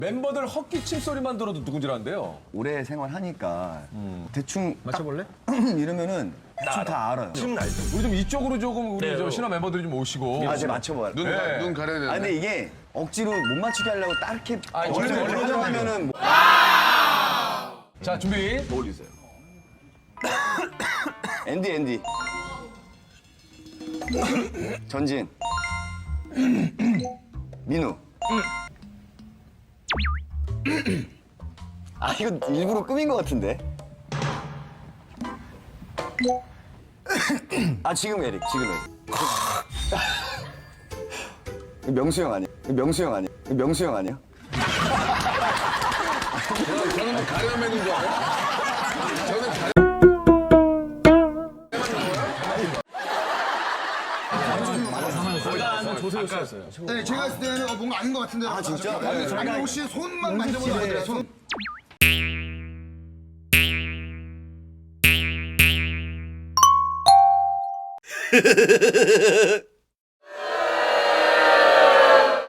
멤버들 헛기침 소리만 들어도 누군지 아는데요. 오래 생활하니까 대충 맞춰볼래? 이러면은 대충 다 알아요. 우리 좀 이쪽으로 조금 우리 저 신화 멤버들이 좀 오시고. 아, 제가 맞춰봐요. 눈 가려야 되는데. 아, 근데 이게 억지로 못 맞추게 하려고 딱 이렇게 원래 표정하면은 뭐... 자, 준비. 어울리세요. 앤디. 전진. 민우. 아, 이거 일부러 꾸민 것 같은데. 아, 지금 에릭. 명수 형 아니야? 명수 형 아니야? 저는 뭐 가려매는 줄 알아요? 저는 네, 제가 했을 때는 뭔가 아닌 것 같은데. 아, 진짜? 아니, 혹시 손만 만져보면 안 돼요? 손.